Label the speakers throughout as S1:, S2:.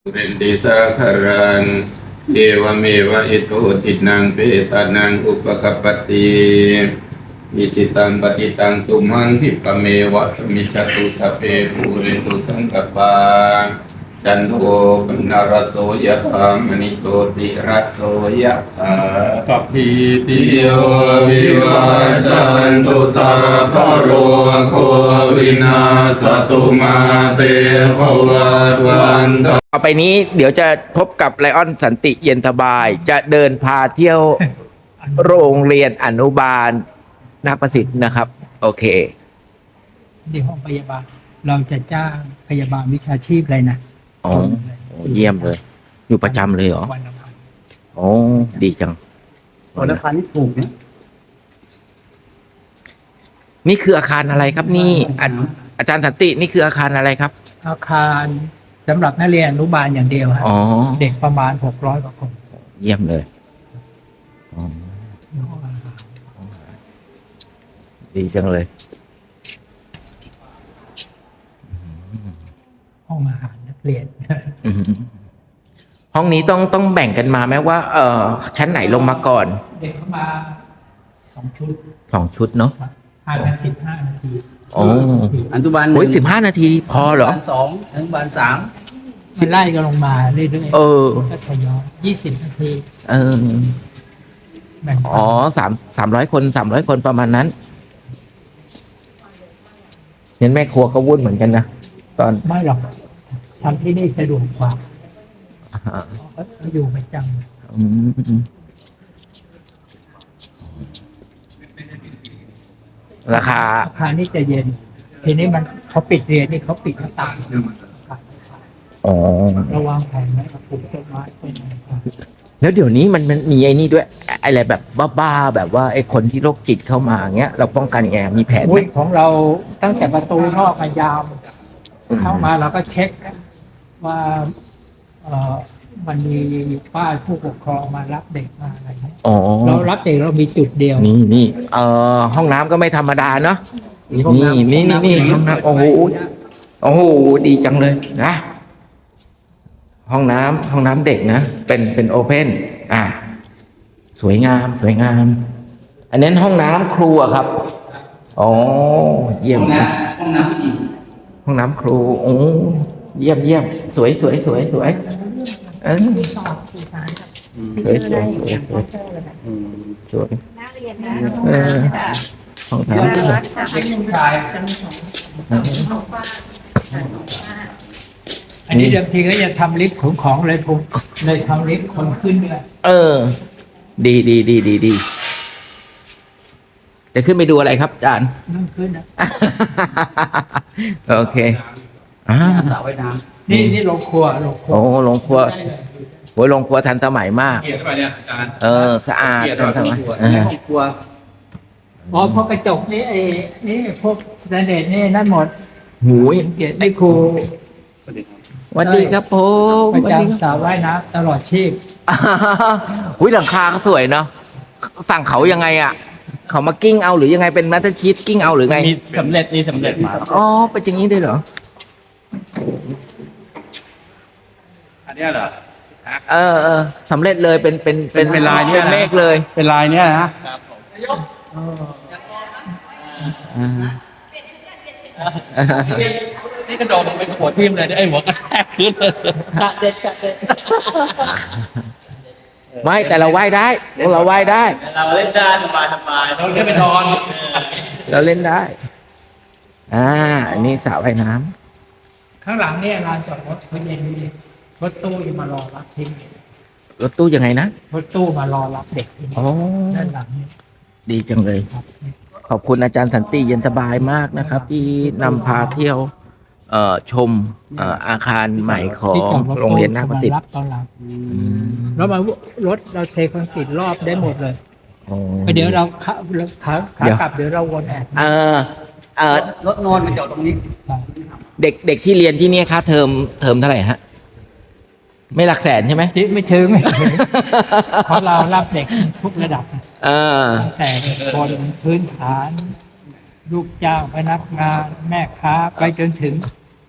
S1: เป็นติสาคารันเอวเมวะอิโตทินังเปตานังอุปกปปติอิจิตังปฏิตังตุมังทิปะเมวะสมิจจตุสัพเพภูเรนตุสังกปาจันโทปนารโสยะธามณิโชติระโสยะธาสัพพิติโยวิวัจจันตุสัพพะโรโควินาศตุมาเตภวัตวันต
S2: ต่อไปนี้เดี๋ยวจะพบกับไลออนสันติเย็นสบาย จะเดินพาเที่ยวโรงเรียนอนุบาลนาคประสิทธิ์นะครับ โอเค
S3: ที่ห้องพยาบาลเราจะจ้างพยาบาลวิชาชีพเลยนะ
S2: อ๋อ เยี่ยมเลย อยู่ประจำเลยเหรอ
S3: วันละพัน
S2: โอ้ดีจัง
S3: วันละพันนี่ถูกนะ
S2: นี่คืออาคารอะไรครับนี่อาจารย์สันตินี่คืออาคารอะไรครับ
S3: อาคารสำหรับนักเรียนอนุบาลอย่างเดียวฮะ
S2: อ๋อ
S3: เด็กประมาณ600กว่าคน
S2: เยี่ยมเลยอ๋อดีจังเลย
S3: ห้องอาหารนักเรียน
S2: อืมห้องนี้ต้องแบ่งกันมาไหมว่า ชั้นไหนลงมาก่อน
S3: เด็กเข้ามา2 ชุด
S2: 2 ชุดเนาะ
S3: ห่างกัน15 นาที
S2: อ๋อ
S4: อนุบาลห
S2: โอ้ย
S4: นึ่ง
S2: 15 นาทีพอเหรอ
S4: อนุบาลสองอนุบาลสาม
S3: มันไล่กันลงมาเรื่อย
S2: เออ
S3: ๆก็ทยอย20 นาที
S2: เออ
S3: แบ่ง
S2: อ๋อ300 คนประมาณนั้นเห็นแม่ครัวก็วุ่นเหมือนกันนะ ตอน
S3: ไม่หรอกทำที่นี่สะดวกกว่า
S2: อ่า
S3: เขาอยู่ประจำ
S2: อืมราคา
S3: อาคารนี่จะเย็น ทีนี้มันเขาปิดเรียนนี่เขาปิดหน้าต่าง
S2: อ๋อ
S3: ระวังแผนไว้กับปลูกต้นไม้เป็นอะไรครับ
S2: แล้วเดี๋ยวนี้มันมีไอ้นี่ด้วยอะไรแบบบ้าๆแบบว่าไอ้คนที่โรคจิตเข้ามาเงี้ย เราป้องกันยังไงมีแผนไหม
S3: อุ้ยของเราตั้งแต่ประตูนอกมายาวเข้ามาเราก็เช็คว่ามันมีป้ายผู้ปกครองมารับเด็กมาอะไรเงี้ย
S2: อ๋อ
S3: เรารับเด็กเรามีจุดเดียว
S2: นี่ห้องน้ำก็ไม่ธรรมดาเนาะนี่ห้องน้ำโอ้โหโอ้โหดีจังเลยนะห้องน้ำเด็กนะเป็นโอเพนสวยงาม อันนั้นห้องน้ำครูอะครับอ๋อเยี่ยมนะ
S4: ห้องน้ำผู้หญิง
S2: ห้องน้ำครูโอ้เยี่ยมสวยเออสวย
S5: นักเรียนนะ
S2: เออห้องน้ำ
S3: เด็กผู้ชายอันนี้เดิมทีก็จะทำลิฟต์ขนของเลยผมเลยทำลิฟต์คนขึ้นด้วย
S2: เออ ดีจะขึ้นไปดูอะไรครับอาจารย์
S3: นั่งขึ้นนะ
S2: โอเค
S4: สระว่ายน้
S3: นี่โรงครัว
S2: โอ้โรงครัวโอ้ยโรงครัวทันสมัยมาก
S1: เกียรติไปเนี่ยอาจารย์
S2: สะอาดทันสมัย
S4: ำ
S2: เออ
S4: ครัว
S3: อ๋อพวกกระจกนี่นี่พวกสแตนเดร์นี่นั่นหมด
S2: หูย
S3: เกียรติไม่ครู
S2: สวัสดีครับผม
S3: ประ
S2: สวัสดีครับ
S3: จำสาวว่ายน้ำตลอดชีพ
S2: หุ้ยหลังคาเขาสวยเนาะสั่งเขายังไงอ่ะ เขามากิ้งเอาหรือยังไงเป็นมัตเตอร์ชีสกิ้งเอาหรือไง
S4: มีสำเร็จนี่สำเร็จมา
S2: อ๋อเป็นอย่างนี้ด้วยเหรอ
S4: อันเนี้ยเหรอ
S2: สำเร็จเลยเป็น
S4: เป็นลายเนี่ย
S2: เป็นเมฆเลย
S4: เป็นลายเนี้ยนะ นี่กระโดดลงไปหัวทิ่มเลยไอ้หัวกระแทกพื้นเลย
S3: กะเด็ด
S2: ไม่แต่เราว่ายได้เราว่ายได้
S4: เราเล่นได้สบายเราเล่นไปนอน
S2: เราเล่นได้ อันนี้สระว่ายน้ำ
S3: ข้างหลังเนี่ยลานจอดรถเขาเย็นดีรถตู้ยังมารอรับทิ้ง
S2: รถตู้ยังไงนะ
S3: รถตู้มารอรับเด็กทิ้ง
S2: อ๋อ
S3: ด้านหลังนี่
S2: ดีจังเลย
S3: ครับ
S2: ขอบคุณอาจารย์สันติเย็นสบายมากนะครับ ที่นำพาเที่ยวชมอาคารใหม่ของ
S3: ที่จอดรถ
S2: โรงเรียนนาคประสิท
S3: มา
S2: ธิ์
S3: รับตอนหลัง
S2: อืม
S3: แล้วมารถเราเทคอนกรีตรอบได้หมดเลย
S2: อ๋อ
S3: เดี๋ยวเราขากลับเดี๋ยวเราวนแอบ
S2: เอ่อเอ่อ
S4: รถนอนมันจอดตรงนี้
S2: เด็กที่เรียนที่เนี่ยค่าเทอมเท่าไหร่ฮะ ไม่หลักแสนใช่ไหม
S3: จิไม่ถึง เพราะเรารับเด็กทุกระดับ
S2: เออ
S3: ตั้งแต่คนพื้นฐาน ลูกจ้างพนักงาน แม่ค้าไปจนถึง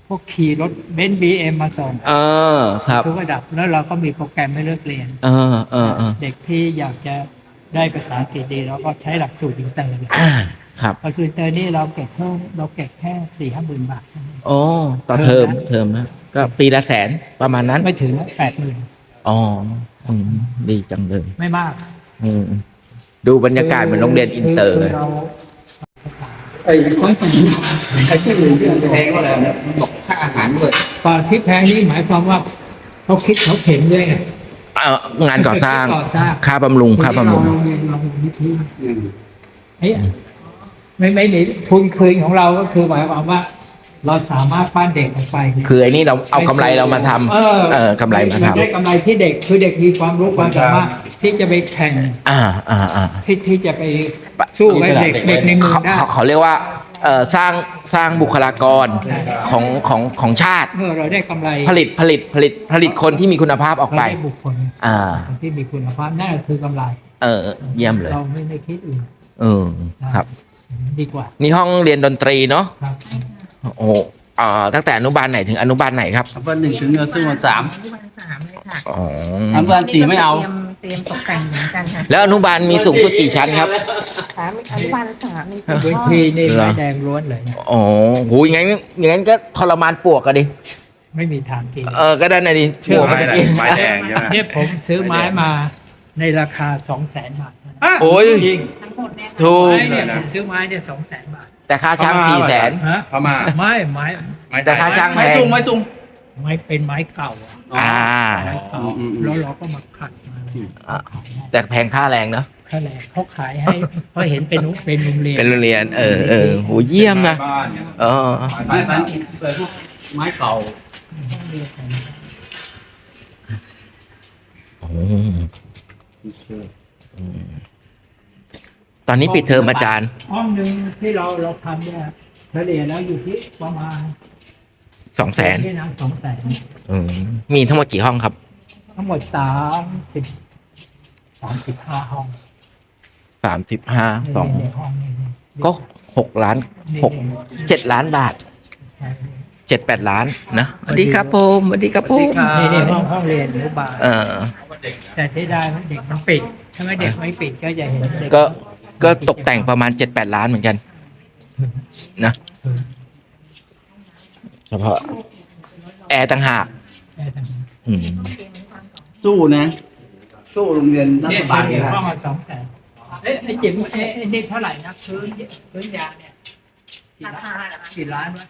S3: พวกขี่รถเบนซ์บีเอ็มมาส่ง
S2: ครับ
S3: ทุกระดับแล้วเราก็มีโปรแกรมให้เลือกเรียน เด็กที่อยากจะได้ภาษาอังกฤษดีเราก็ใช้หลักสูตรอินเตอร์เลย
S2: ครับ
S3: หลักสูตรอินเตอร์นี่เราเก็บเพิ่มเราเก็บแค่4-5 หมื่นบาท
S2: โอ้ต่อเทอมนะ ก็ปีละ100,000ประมาณนั้น
S3: ไม่ถึง80,000
S2: อ๋อดีจังเลย
S3: ไม่มาก
S2: อืมดูบรรยากาศเหมือนโรงเรียนอินเตอร์เลย
S3: ไอ้คนไอ้ที่อื่นที่
S2: แพงก็เลยบอกค่าอาหารด้วย
S3: ก่อนที่แพงนี่หมายความว่าเขาคิดเขาเข็มด้วยไง
S2: งานก่อสร้าง
S3: ก่อสร้าง
S2: ค่าบำรุงค่าบำรุง
S3: โรงเรียนเรามีที่เฮ้ยไม่หนีทุนคืนของเราก็คือหมายความว่า เราสามารถปั้นเด็กออกไปเนี่ย
S2: คือไอ้นี่เราเอากำไรเรามาทำกำไรมาทำ
S3: เได้กำไรที่เด็กคือเด็กมีความรู้ความสามารถที่จะไปแข่ง ที่จะไปสู้กับเด็กในเมืองได้
S2: เขาเรียกว่าสร้างบุคลากรของชาติ
S3: เราได้กำไร
S2: ผลิตคนที่มีคุณภาพออกไป
S3: เราได้บุคคลคนที่มีคุณภาพนั่นคือกำไร
S2: เยี่ยมเลย
S3: เราไม่คิดอื่น
S2: ครับ
S3: ดีกว่า
S2: นี่ห้องเรียนดนตรีเนาะ
S3: ครับ
S2: โอ้ตั้งแต่อนุบาลไหนถึงอนุบาลไหนครับ
S4: อนุบาล1 ถึงอนุบาล3
S5: อนุบาล3เลยค่ะ
S2: อ๋อ
S4: อนุบาล4ไม่เอา
S5: เตรียมตกแต่งเหมือนกันค่ะ
S2: แล้วอนุบาลมีสูงสุดกี่ชั้นครับ
S5: อนุบาล3มี
S3: เว
S5: 4ห้อง
S3: ทีนี่
S2: เหรอ
S3: ไม้แดงล้วนเลยนะ
S2: อ๋อโหอย่างงั้นก็ทรมานปวกอะดิ
S3: ไม่มีทางกิน
S2: ก็ได้นะดิปวกมันจะกิน
S1: ไม้แดงใช่ไหม
S3: เนี่ยผมซื้อไม้มาในราคา 200,000 บาท
S2: โอ้ย
S3: จริง
S5: ทั้งหมดเนี่ย
S2: ถูก
S3: ไม้เนี่ยผมซื้อไม้เนี่ย200,000 บาท
S2: แต่ค่าช่าง400,000
S3: ฮะ
S1: พม่า
S3: ไม้
S2: แต่ค่าช่างแพ
S4: ไม่
S2: ง
S4: จุงไม่จุง
S3: ไม้เป็นไม้เก่าอะ
S2: อ่า
S3: ไม้เก่า
S4: อืม
S3: แล้วเราก็มาขัดมา
S2: แต่แพงค่าแรงเนาะ
S3: ค่าแรงเขาขายให้เพราะเห็นเป็นโรงเรียน
S2: เป็นโรงเรียนโหเยี่ยมนะ
S1: บ้านเนี่ย
S2: เออ
S4: ไม้สันเลยพวกไม้เก่า
S2: ตอนนี้ปิดเทอมอาจารย์
S3: ห้องหนึ่งที่เราทำเนี่ยเฉลี่ยแล้วอยู่ที่ประมาณ
S2: 200,000
S3: ที่นั่ง200,000
S2: มีทั้งหมดกี่ห้องครับ
S3: ทั้งหมด35 ห้อง
S2: 35
S3: ในห้องนี้
S2: ก็6 ล้าน7 ล้านบาท
S3: ใช่
S2: 7-8 ล้านนะสวัสดีครับผมสวัสดีครับผม
S3: นี่ห้องเรียนอนุบาล
S2: เออ
S3: แต่ที่ได้เด็กมันปิดถ้าไม่เด็กไม่ปิดก็จะเห็นเด็ก
S2: ก็ตกแต่งประมาณ 7-8 ล้านเหมือนกันนะเฉพาะแอร์ต่างหาก อืม
S4: สู้นะ สู้โรงเรียนรั
S3: เนี่
S4: ฐ
S3: ย
S4: บาล
S3: เฉลี่ย
S4: นะ
S3: ห้องละ200,000ไอ้จิ๋มไอ้นี่เท่าไหร่นะพื้นยางเนี่ย
S5: ราคาเหรอคะ
S3: กี่ล้านวะ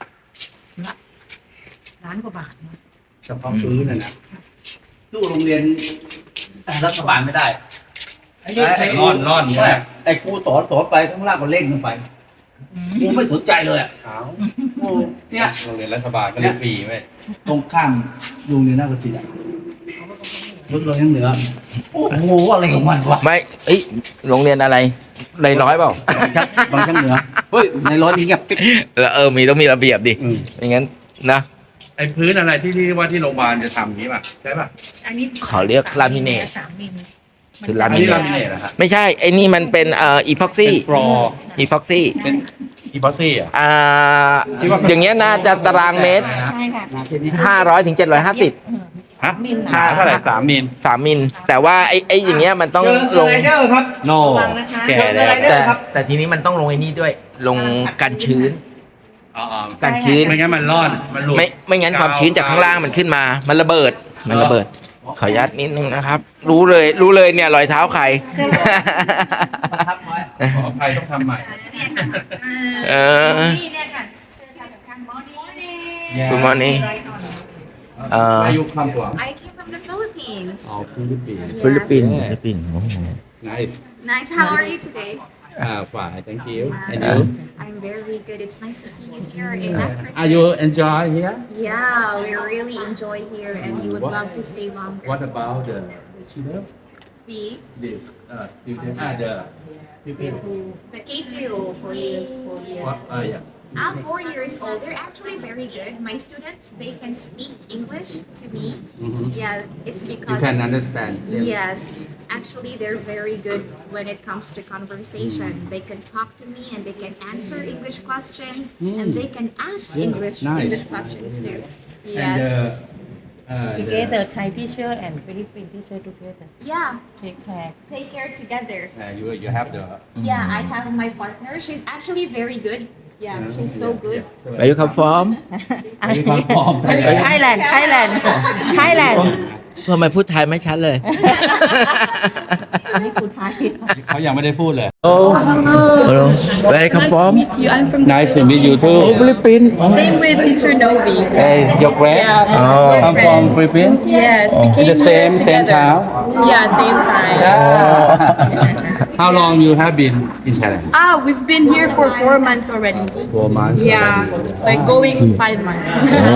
S5: ล้านกว่าบาทนะ
S4: เฉพาะพื้นนะสู้โรงเรียนรัฐบาลไม่ได้
S3: ไอ้นี่ไอ้
S1: ร่อนใช่ไหม
S4: ไอ้ครูสอนไปข้างล่างก็เล่นขึ้นไปครูไม่สนใจเลยอ่ะ
S1: เอา
S4: โอ้เนี่ย
S1: โรงเรียนรัฐบาลก็เรียนฟรีไหม
S4: ตรงข้ามโรงเรียนนาฏศิลป์อะรถเรายังเหนือโอ้โหอะไรของมันวะ
S2: ไม่โรงเรียนอะไรในร้อยเปล่า
S4: บางช่างเหนือเฮ้ยในรถนี่เงียบปิ๊บ
S2: แล้วต้องมีระเบียบดิไม่งั้นนะ
S1: ไอ้พื้นอะไรที่ว่าที่โรงพยาบาลจะทำนี้ป่ะใช่ป่ะ
S5: อันนี้
S2: เขาเรียกลามิเนต
S5: 3 มิล
S2: คือลา
S1: อัน
S2: มิ
S1: นี้
S2: เน
S1: ลา
S2: ต
S1: มิเนตนะครับ
S2: ไม่ใช่ไอ้นี่มันเป็นอีพ็อกซี่
S1: เป็นฟลอร์
S2: อีพ็อกซี่
S1: เป็นอีพอซี่อ่ะ
S2: อย่างเงี้ยน่าจะตารางเมตร
S5: ใช่ค่ะ
S2: 500 ถึง 750
S1: ฮะ
S5: มิล
S2: ห้า
S5: นะ
S1: เท่าไหร่3 มิล
S2: 3 มิล แต่ว่าไอ้อย่างเงี้ยมันต้องลง
S3: ครับ
S1: โน
S5: ระวังนะคะ
S1: แก่แล้ว
S2: แต่ทีนี้มันต้องลงไอ้นี่ด้วย ลงกันชื้น
S1: อ๋อ
S2: กันชื้น
S1: ไม่งั้นมันร่อนมันหลุด
S2: ไม่งั้นความชื้นจากข้างล่างมันขึ้นมา มันระเบิด ขออนุญาตนิดนึงนะครับ รู้เลยเนี่ยรอยเท้าใคร
S1: ขออภัยต้องทำใหม่
S2: เออ
S5: นี่เนี่ยค่ะเสื้อทางกับข้างมอนี่
S2: Good morning
S1: Where you come from
S6: I came from the Philippines.
S1: อ๋อฟิลิปปินส์
S2: ฟิลิปปินส์โอ้โห
S1: Nice
S6: Nice. How are you today?
S1: fine thank you and
S6: Uh,
S1: you
S6: I'm very good. It's nice to see you here in Akron.
S1: Are you enjoy here
S6: Yeah, we really enjoy here, and we would love to stay longer.
S1: What about the children
S6: The
S1: this student the people
S6: the K2 4 years, 4 years.
S1: what yeah
S6: 4 years old. They're actually very good. My students, they can speak English to me.
S1: Mhm.
S6: Yeah, it's
S1: you
S6: because
S1: can understand them
S6: yes, actually they're very good when it comes to conversation. They can talk to me and they can answer English questions and they can ask English questions too. Yes.
S5: together Thai teacher and Philippine teacher together
S6: Yeah.
S5: take care
S6: Take care together.
S4: you have the
S6: Yeah, I have my partner. She's actually very good. Yeah, she's so good.
S2: Where you come from
S5: Thailand Thailand Thailand
S2: ทำไมพูดไทยไม่ชัดเลย
S5: นี่คือไทย
S4: เขายังไม่ได้พูดเลย
S2: Hello Where you come from
S7: meet you. I'm from
S4: Nice to meet you too
S2: Oh Philippines
S7: Same with teacher Novi.
S4: Hey your friend
S7: Yeah.
S2: Oh.
S4: I'm from Philippines
S7: Yes, we
S4: in
S7: came
S4: the
S7: here
S4: same
S7: together.
S4: town
S7: Yeah, same time.
S4: How long you have been in Thailand
S7: We've been here for 4 months already.
S4: 4 months
S7: Yeah, like going 5 months.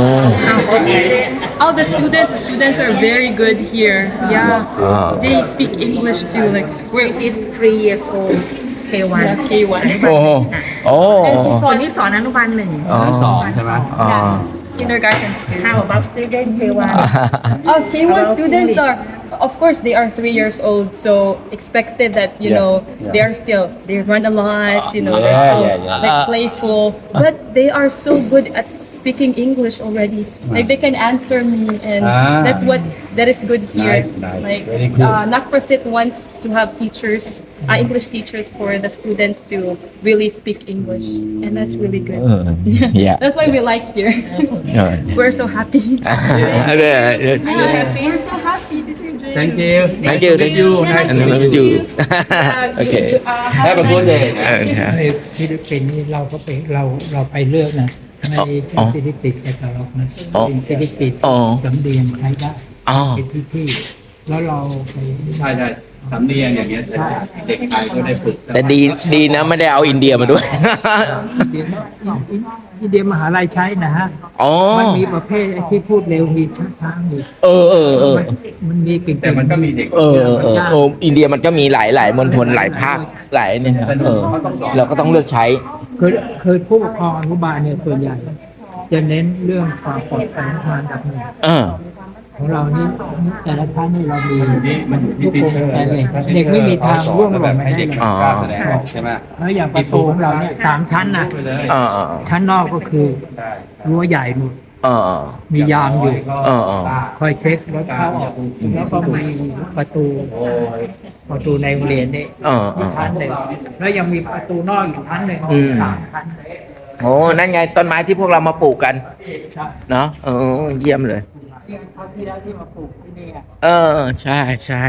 S7: All the students are very good here. Yeah, they speak English too. Like we're
S5: 3 years old K1
S7: K1.
S2: โอ้โอ้
S5: คนที่สอนอนุบาล 1
S2: อ๋อ
S4: ใช่ไหม
S2: อ๋อ
S7: Kindergarten too.
S5: How about student K1
S7: K1 students are, of course, they are 3 years old, so expected that they run a lot, they're so like playful, but they are so good at speaking English already. Like they can answer me, and that is good here.
S4: Nice.
S7: Like
S4: Very good.
S7: Nakprasit wants to have teachers, English teachers for the students to really speak English, and that's really good.
S2: Yeah
S7: That's why we like here. We're so happy. We're so happy, Teacher Jay.
S4: Thank you
S2: Thank you Thank you
S7: Nice
S2: And
S7: to
S2: meet
S7: meet
S2: you
S7: you.
S2: Okay
S4: Have a good day
S3: ในฟิลิปปินส์นี่เราก็ไปเราไปเลือกนะไม่ใช่ฟิลิปปินส์แต่ตลกนะเป็นฟิลิปปินส์สำเนียงใช้ได้
S2: อ๋อ
S3: เป็นที่แล้วเราไป
S4: ใช่สำเนียงอย่างเงี้ยเด็กไทยก็ได้ฝึก
S2: แต่ดีนะไม่ได้เอาอินเดียมาด้วย
S3: อินเดียมหาลัยใช้นะฮะ
S2: อ๋อ
S3: มันมีประเภทไอ้ที่พูดเร็วมีช้าๆมี
S2: เออ
S3: มันมีเก่งๆ
S4: แต่มันก็มีเด็ก
S2: อินเดียมันก็มีหลายมณฑลหลายภาคหลายเนี่ยเราก็ต้องเลือกใช้
S3: คือผู้ปกครองอนุบาลเนี่ยส่วนใหญ่ จะเน้นเรื่องความปลอดภัยมาอันดับหนึ่ง ของเรานี่แต่ละชั้นนี่เรามีทุกคนแต่เด็กไม่มีทางร่วงหล่นมาได้เลย
S2: อ๋อ
S4: แสดงออกใช่ไหม
S3: แล้วอย่างประตูของเราเนี่ย3 ชั้นนะชั้นนอกก็คือรั้วใหญ่หมดมียามอยู่คอยเช็ครถเข้าออกแล้วก็มีประตูในโรงเรียนนี่อีกชั้นหนึ่งแล้วยังมีประตูนอกอีกชั้นหนึ่ง3 ชั้น
S2: โอ้นั่นไงต้นไม้ที่พวกเรามาปลูกกัน
S3: ใช่
S2: เนาะเยี่ยมเลย
S3: เขาที่แล้วที่มาปลูกที่นี่อะ
S2: ใช่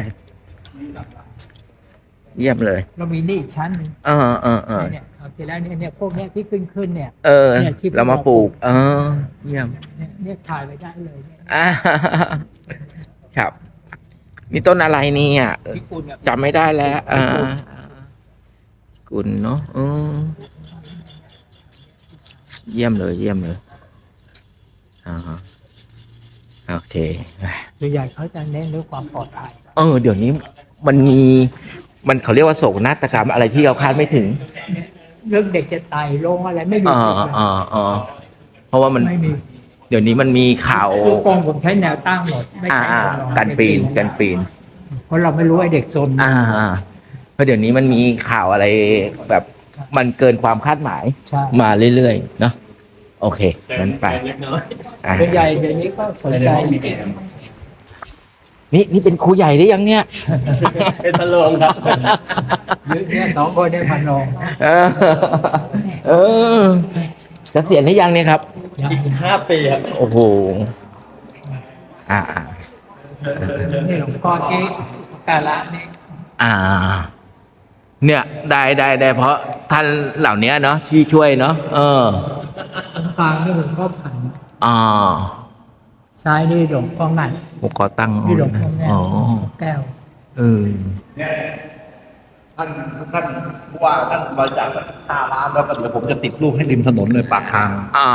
S2: เยี่ยมเลย
S3: เรามีนี่อีกชั้นหนึง เนี่ยเอาทีแล้วเนี่ยพวกเนี้ยที่ขึ้นเนี่ย เนี่ยที่
S2: เรามาปลูก เยี่ยม
S3: เนี่ยถ่ายไว้ได้เลยเนี่ย
S2: ครับนี่ต้นอะไรเนี่ย
S3: ที่กุลเนี่ย
S2: จำไม่ได้แล้วกุลเนาะเยี่ยมเลยโอเค
S3: ส่วนใหญ่เขาจะเน้นเรื่องความปลอดภัย
S2: เดี๋ยวนี้มันเขาเรียกว่าโศกนาฏกรรมอะไรที่เราคาดไม่ถึง
S3: เรื่องเด็กจะตายลงอะไรไม่มี
S2: เพราะว่ามัน
S3: ไม่มี
S2: เดี๋ยวนี้มันมีข่าว
S3: ลูกโป่งผมใช้แนวตั้งหมดไม่ใช่แนวนอน
S2: กันปีน
S3: เพราะเราไม่รู้ไอ้เด็กซน
S2: เพราะเดี๋ยวนี้มันมีข่าวอะไรแบบมันเกินความคาดหมาย
S3: ใช่
S2: มาเรื่อยๆเนาะโอเคงั้นไป
S3: ส่วนใหญ่เดี๋ยวนี้ก็สนใจ
S2: นี่เป็นครูใหญ่หรือยังเนี่ย
S4: เป็นตลกครับ
S3: เนี่ย2 คนได้พันลง
S2: จะเสียณหรือยังเนี่ยครับ
S3: ยัง
S4: 5 ปีครับ
S2: โอ้โห
S3: นี่หลวงพ่อที่กาละนี่
S2: เนี่ยได้เพราะท่านเหล่านี้เนาะที่ช่วยเนาะ
S3: กลางนี่หลวงพ่อผัน ซ้ายนี่หลวงพ่องัน
S2: ผมขอตั้ง
S3: นี่หลวงพ่อแก้วแก้ว
S8: ท่านผู้ว่าท่านบริจาค5 ล้านแล้วก็เดี๋ยวผมจะติดรูปให้ริมถนนเลยปากทาง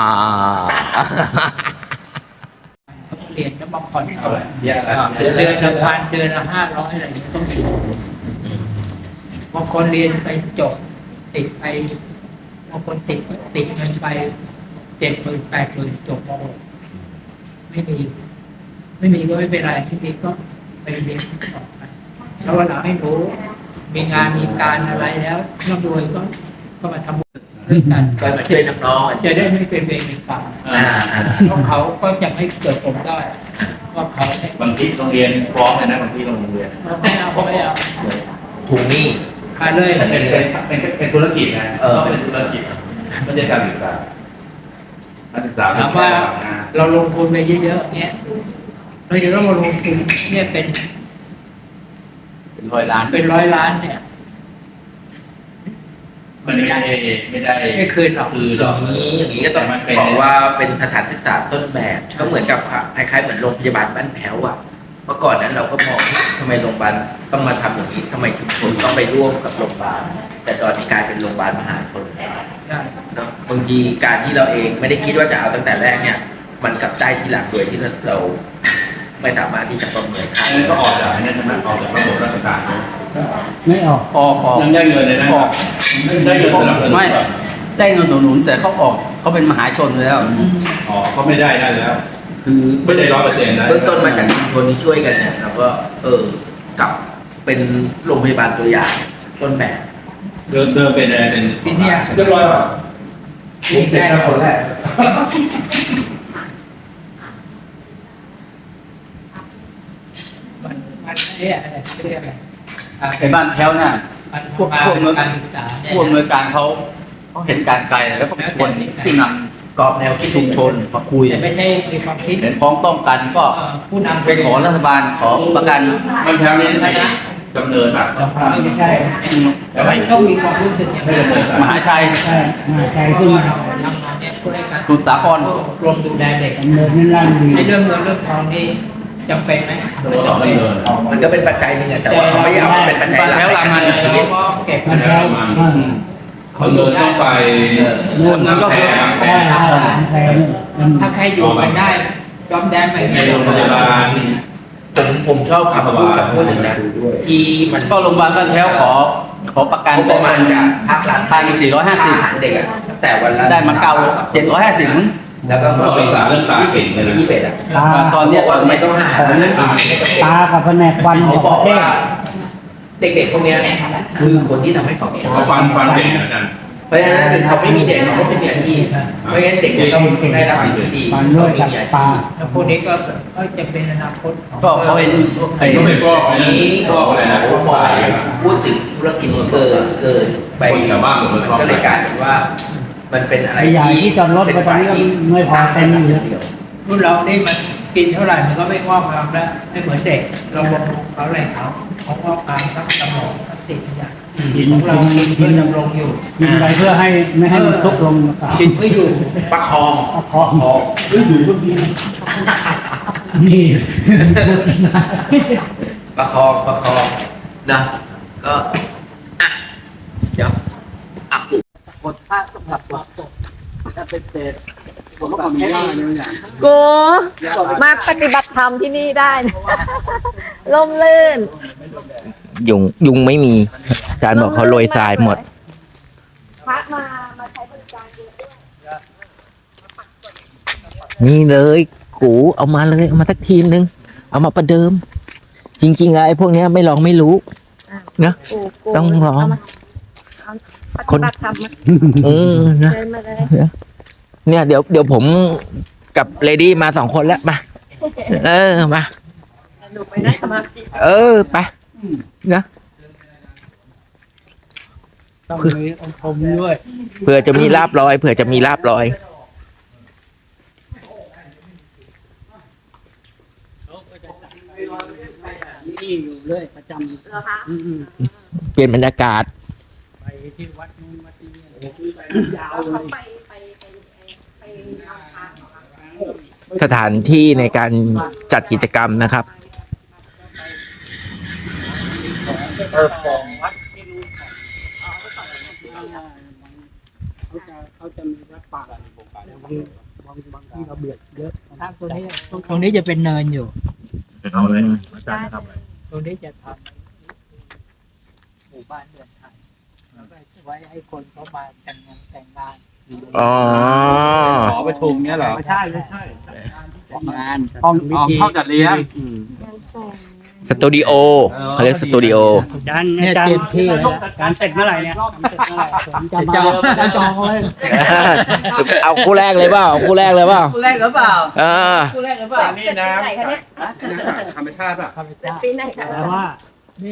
S3: เรียนจะมาผ่อนเอาเดือนละ1,000 เดือนละ500อะไรอย่างเงี้ยต้องมีบางคนเรียนไปจบติดไปบางคนติดเงินไป70,000 80,000จบม.6ไม่มีก็ไม่เป็นไรที่นี้ก็ไปเรียนต่อไปแล้ววันหลังให้หนูมีงานมีการอะไรแล้วร่ำรวยก็มาทำบุญด้วยกัน
S2: ก็มาช่วยน้องๆ
S3: จะได้ไม่เป็นเวรเป็นกรรมเพราะเขาก็จะไม่เกิดผมได้ว่าเขาเนี่ย
S9: บางที่โรงเรียนฟ้องเลยนะบางที่โรงเรียน
S3: ไม่เอาไม่เอา
S2: ถูกหนี้
S3: มาเลย
S9: เป็นธุรกิจนะต้องเป็นธุรกิจไม่ใช่การศึกษาการศึกษา
S3: ถามว่าเราลงทุนไปเยอะๆเนี้ยเราจะต้องมาลงทุนเนี่ยเป็น
S9: เป็นร้อยล้าน
S3: เป็นร้อยล้านเนี่ย
S9: มันไม่ได้
S3: ไม่คืนหรอก
S9: คือ
S2: อ
S9: หรอย่าง
S2: นี้ก็ต้องบอกว่าเป็นสถานศึกษาต้นแบบก็เหมือนกับคล้ายๆเหมือนโรงพยาบาลบ้านแพ้วอ่ะเมื่อก่อนนั้นเราก็มองทำไมโรงพยาบาลต้องมาทำอย่างนี้ทำไมชุมชนต้องไปร่วมกับโรงพยาบาลแต่ตอนนี้กลายเป็นโรงพยาบาลมหาชน
S3: ใช่
S2: เนาะบางทีการที่เราเองไม่ได้คิดว่าจะเอาตั้งแต่แรกเนี่ย มันกลับได้ทีหลังโดยที่เราไม่สามารถที่จะประเมินค่า
S9: อันนี้ก็ออกจากนี่ใช่ไหมออกจากระบบราชการ
S4: ไม่ออกออก
S9: ยังได้เงินเลยนะออกได้เงินสนับสนุน
S4: ไม่ได้เงินสนับสนุนแต่เขาออกเขาเป็นมหาชนแล้ว
S9: อ๋อก็ไม่ได้แล้ว
S2: คือ
S9: ไม่ได้100%นะ
S2: เบื้องต้นมาจากชุมชนที่ช่วยกันเนี่ยเราก็กลับเป็นโรงพยาบาลตัวอย่างต้นแบบ
S9: เดิมเป็นอะไรเป็น
S3: ที่เนี่ย
S8: เรียบร้อยป่ะผมเสร็จแล้วคนแรก
S3: มันเนี่ยอะไรเรียกอะไร
S4: ไอ้บ้านแถวน่ะ
S3: มัน
S4: พวกอำนวย
S3: การศึกษาเนี่ย
S4: ผู้อำนวยการเขาเห็นการไกลแล้วก็เป็นคนที่น
S2: กรอบแนวคิด
S4: ำชุมชนมาคุย
S3: แต่ไม่ใช่มีความคิด
S4: เห็นพ้องต้องกันก็
S3: ผู้นำ
S4: ไปขอรัฐบาลขอประกัน
S9: มันแถวนี้จำเนินป่ะ
S3: ไม่ใช่แต่ว่าก็มีความรู้สึกอย่างนี้
S4: มหาชัย
S3: ใช่ใจขึ้นมาทำงานเนี่ยผู้ให้การ
S4: สมุทรสาคร
S3: รวมดูแลเด็กเงินนั่นในเรื่องเงินเรื่องทองนี่จำเป็นไหมไม่จำเป็น
S2: มันก็เป็นปัจจัยหนึ่งอะแต่ว่าเขาไม่เอามาเป็นปัจจัยหลักในการดำเนินชีวิต
S3: ก็เก็บ
S9: มันแล้วเขาเดินต้องไป
S4: เงินก็
S9: แผล
S3: ถ้าใครอยู่กันได้ยอมแดงไป
S9: ในโรงพยาบาล
S2: ผมชอบคำพูดกับพูดหนึ่งนะที่มัน
S4: ก็โรงพยาบาลบ้านแถวขอประกัน
S2: งบประมาณจากภาครัฐ
S4: 1,450
S2: อาหารเด็กอะตั้งแต่วันละ
S4: ได้มา750
S2: แล้วก็
S9: รักษาเรื่องตาเก่งเลยนะ
S2: 21อะ
S4: ตอนเนี้ย
S2: ว่าไม่ต้องหาตา
S3: กับแผนกฟัน
S2: เขาบอกว่าเด็กๆพวกเนี้ยคือคนที่ทำให้เขามี
S9: เขาฟันเก่งนะอาจารย์
S2: เพราะฉะนั้นคือเขาไม่มีเด็กเขาก็ไม่มีอาชีพเพราะฉะนั้นเด็กมันต้องได้รับสิ่งที่ดีเขาไม่มีอาชีพ
S3: แล้วพวกนี้ก็จะเป็นอนาคตของ
S4: ก็เขาเป็นไอ้
S9: ก็ไม่ฟอก
S2: อัน
S9: นะ
S2: นี้
S9: ฟอกอะไรนะ
S2: ผมบอกพูดถึงธุรกิจเกินไป
S9: คนแถวบ้านผมมันชอบ
S2: ก็เลยกลายเป็นว่า มันเป็นอะไร
S3: ใหญ่ที่จอดรถ
S2: เป็น
S3: ไปตอนนี้ก็ไม่พอเต็มอยู่
S2: เดียว
S3: รุ่นเรานี่มันกินเท่าไหร่มันก็ไม่งอกงามแล้วไม่เหมือนเด็กเราบำรุงเขาอะไรเขางอกงามทั้งสมองทั้งสิ่งทุกอย่างของเรากินเพื่อดำรงอยู่
S10: กินไปเพื่อให้ไม่ให้มันซุกลง
S3: กินเพื่ออยู่
S2: ประคอง
S10: นี่
S2: ประคองนะก็อ่ะเดี๋ยวอ่ะ
S4: กดผ้าต้องหักกดถ้าเป็นเศษผมก็ไม่ได้เลยอย่าง
S5: กูมาปฏิบัติธรรมที่นี่ได้นะ ร่มรื่น
S2: ยุงไม่มีอาจารย์บอกเขาโรยทรายหมด
S5: พระมาใช้บริการเยอะด้วย
S2: นี่เลยกูเอามาเลยเอามาสักทีมนึงเอามาประเดิม จริงๆแล้วไอ้พวกเนี้ยไม่ลองไม่รู้นะ
S5: กู
S2: ต้องลอง
S5: ปฏิบัติธรรมมา
S2: นะ
S5: เดินมาเลย
S2: เนี่ยเดี๋ยวผมกับเลดี้มา2 คนแล้วมามา
S5: หนูไปนั่งสมาธิ
S2: ไปนะ
S3: ต้องมีองค์พรมด้วย
S2: เผื่อจะมีลาบลอย
S10: นี่อยู่เลยประจำ
S6: เหรอคะ
S2: เปลี่ยนบรรยากาศ
S10: ไปที่วัดนู้นวัดนี้ยาว
S6: แล้ว
S10: เล
S6: เขา
S10: ย
S6: ไปทำทางเหรอคะ
S2: สถานที่ในการจัดกิจกรรมนะครับ
S10: เขาจะมีวัดป่าบางที่เราเบียดเยอะ
S3: ตรงนี้จะเป็นเนินอยู่
S9: เอาเลยอาจารย์จะทำอะไร
S3: ตรงนี้จะทำหมู่บ้านเรือนไทยแล้วก็ไว้ให้คนเขามาแต่งงาน
S2: อ๋อ
S9: หอประชุมเนี้ยเหรอ
S8: ไม่ใช่ไม่ใช่
S10: งาน
S9: ห้องจัดเลี้ยง
S2: สตูดิโอเขาเรียกสตูดิโอ
S3: เนี่ยเตรียมที่เลยนะการเสร็จเมื่อไหร่เนี่ยผมจะมาจองเลย
S2: เอาคู่แรกเลยเปล่าเอาคู่แรกเลยเปล่า
S4: คู่แรกหรือเปล่า
S2: เออ
S4: คู่แรกหรือเปล่า
S9: นี่น้ำธรรมชาติป่ะ
S5: ปีไหนคะ
S3: แต่ว่านี่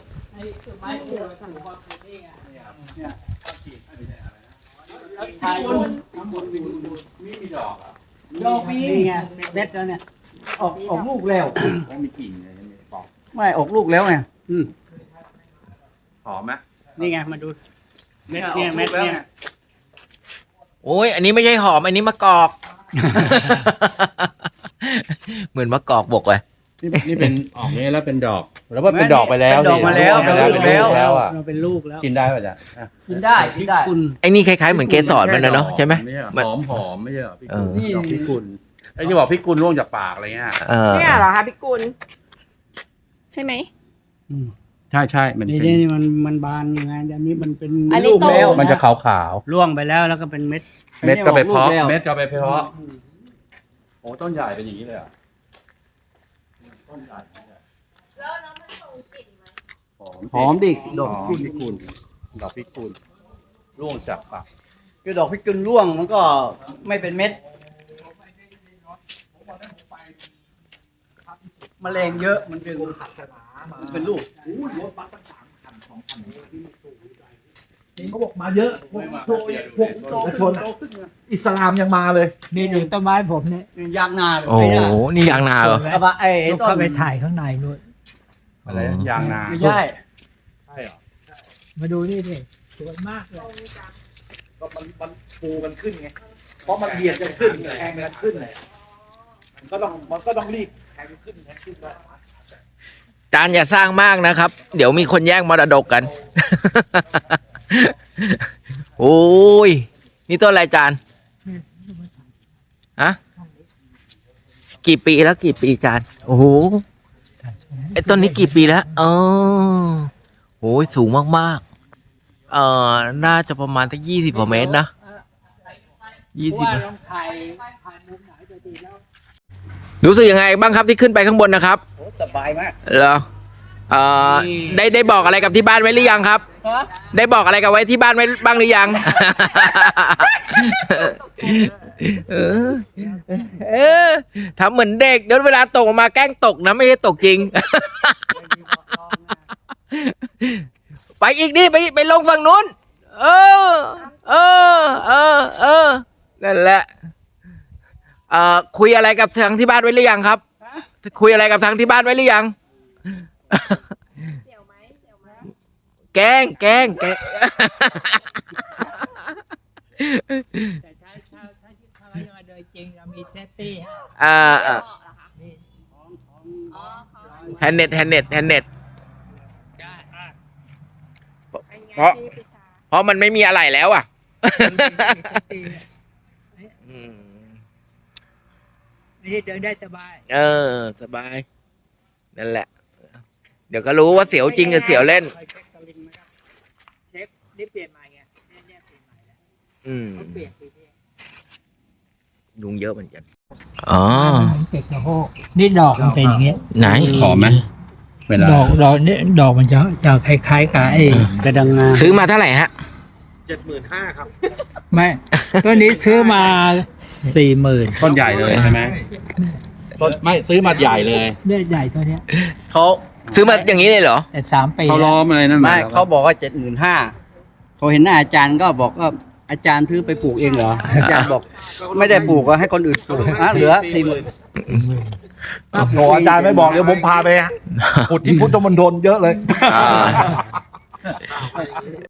S3: ดอกนี่ไงเม็ดแล้วเนี่ยออกลูกแล้ว
S9: มีกลิ่นเลยบอก
S3: ไม่ออกลูกแล้วไง
S9: หอมไหม
S3: นี่ไงมาดูเม็ดเนี่ยเม็ดเนี่ย
S2: โอ้ยอันนี้ไม่ใช่หอมอันนี้มะกอก เหมือนมะกอกบกเลย
S9: นี่เป็นออกนี้แล้วเป็นดอกแล้วว่าเป็นดอกไปแล้ว
S4: เป็นดอกมาแล้ว
S9: เป็นลูกแล้วอ่ะ
S3: เราเป็นลูกแล้ว
S9: กินได้ป่ะจ๊ะ
S4: กินได้กินได้
S2: ไอ้นี่คล้ายๆเหมือนเกสรมันนะเนาะใช่ไหม
S9: หอมหอมไม่ใช่เหรอพี่
S2: เอ
S9: กุล
S2: อ
S9: ดอกพี่กุลไอ้ที่บอกพี่กุลร่วงจากปากอะไรเงี้ย
S2: เออ
S5: เนี่ยเหรอคะพี่กุลใช่ไหม
S9: ใช่มัน
S3: นี่นี่มันบานยังไงอันนี้มันเป็น
S5: อันนี้
S3: ลูก
S5: โต
S3: แล้ว
S9: มันจะขาว
S3: ร่วงไปแล้วแล้วก็เป็นเม็ด
S9: ๆเม็ดก็ไปเพาะ
S4: อันนี้ออกลูกแล้ว
S9: เม็ดก็ไปเพาะโอ้ต้นใหญ่เป็นอย่างนี้เลยอ่ะหอมดิดอกพี่กุลดอกพี่กุลร่วงจากปาก
S4: คือดอกพิกุลร่วงมันก็ไม่เป็นเม็ดแมลงเยอะมันเป็นลูก
S8: เขาบอกมาเยอะพวกชนอิสลามยังมาเลย
S3: นี่ดูต้นไม้ผมเนี่ย
S4: ยางนา
S2: โอ้โหนี่ยางนาเหรอ
S4: กระบะไอ้
S3: ลูก
S4: ต้
S3: เข้าน ไปถ่ายข้างในนู่น
S9: อะไรยางนา
S4: ไม่ใช่
S9: ใช่เหรอ
S3: มาดูนี่ดิสวยมากเลย
S8: ก็มันปูกันขึ้นไง เพราะมันเบียดกันขึ้นแทงกันขึ้นมันก็ต้องรีบแทงขึ้นแล้ว
S2: จานอย่าสร้างมากนะครับ เดี๋ยวมีคนแย่งมรดกกัน โอ้ยนี่ต้นอะไรจานฮะกี่ปีแล้วกี่ปีจานโอ้โหไอ้ต้นนี้กี่ปีแล้วโอ้ยสูงมากๆน่าจะประมาณสัก20 กว่าเมตรนะ20 รู้สึกยังไงบ้างครับที่ขึ้นไปข้างบนนะครับ
S4: สบายมาก
S2: เหรอได้บอกอะไรกับที่บ้านไว้หรือยังครับ ได้บอกอะไรกับไว้ที่บ้านไว้บ้างหรือยัง ทำเหมือนเด็กเดี๋ยวเวลาตกออกมาแกล้งตกนะไม่ใช่ตกจริง ไปอีกดิไปลงฝั่งนู้นนั่นแหละคุยอะไรกับทางที่บ้านไว้หรือยังครับ คุยอะไรกับทางที่บ้านไว้หรือยังแกล้ง
S3: แต่ถ้าโดยจริงเรามีเซฟตี้ฮะ
S2: แฮนเน็ตเพราะมันไม่มีอะไรแล้วอ่ะ
S3: นี่เดินได้สบาย
S2: สบายนั่นแหละ เดี๋ยวก็รู้ว่าเสียวจริงหรือเสียวเล่น
S3: เช็คนี่เปลี่ยนใหม่ไงเนี่ยเปลี่ยนใหม่แล้วเปลี่ยนปีนี้
S2: ยุงเยอะเหมือนกันอ๋อ
S3: เก็บกระโหกนี่ดอกมันเป็นอย่างเงี้ย
S2: ไหน
S9: หอมไหมเวลา
S3: ดอกนี่ดอกมันจะคล้ายๆกับไอ้กระดังงา
S2: ซื้อมาเท่าไหร่ฮะ
S8: 75,000 ครับ
S3: ไม่ตัวนี้ซื้อมา40,000
S9: ต้นใหญ่เลยใช่ไหมต้นไม่ซื้อมาใหญ่เลย
S3: เนี่ยใหญ่ตัวเนี้ย
S2: เขาซื้อมาอย่างนี้เลยเหรอ
S3: แต่3 ปี
S9: เขาล้อมอะไรนั่น
S4: ไม่เขาบอกว่า75,000เขาเห็นหน้าอาจารย์ก็บอกว่าอาจารย์ซื้อไปปลูกเองเหรออาจารย์บอกไม่ได้ปลูกก็ให้คนอื่นปลูกเหลือ40,000
S8: โหอาจารย์ไม่บอกเดี๋ยวผมพาไปขุดที่พุทธมณฑลเยอะเลย